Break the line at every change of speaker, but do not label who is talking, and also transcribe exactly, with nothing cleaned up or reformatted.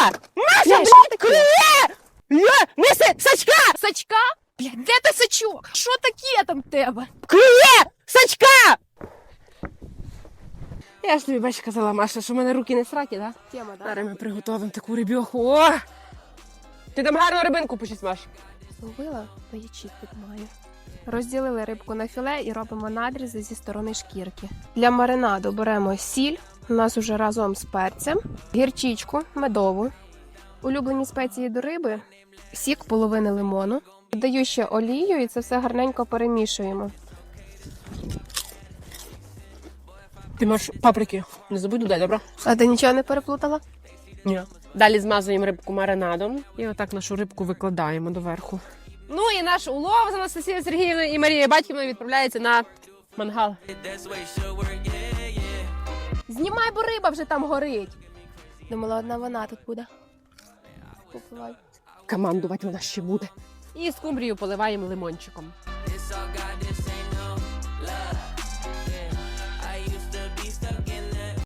Маша, блядь, клює! Є! Неси сачка!
Сачка? Блядь, де ти сачок? Що таке там в тебе?
Клює! Сачка! Я ж тобі, бач, казала, Маша, що в мене руки не сракі, да?
Тема, да?
Зараз ми приготуємо таку рибьоху. О! Ти там гарну рибинку почись, Маш.
Зловила, та ячіть тут маю. Розділили рибку на філе і робимо надрізи зі сторони шкірки. Для маринаду беремо сіль, у нас уже разом з перцем, гірчичку медову, улюблені спеції до риби, сік половини лимону. Додаю ще олію і це все гарненько перемішуємо.
Ти маєш паприки. Не забудь додати, добре?
А ти нічого не переплутала?
Ні. Далі змазуємо рибку маринадом і отак нашу рибку викладаємо доверху. Ну і наш улов з Анастасією Сергіївною і Марією Батьківною відправляється на мангал.
Знімай, бо риба вже там горить. Думала, одна вона тут буде. Попливай.
Командувати вона ще буде. І скумбрію поливаємо лимончиком.
It's all God, this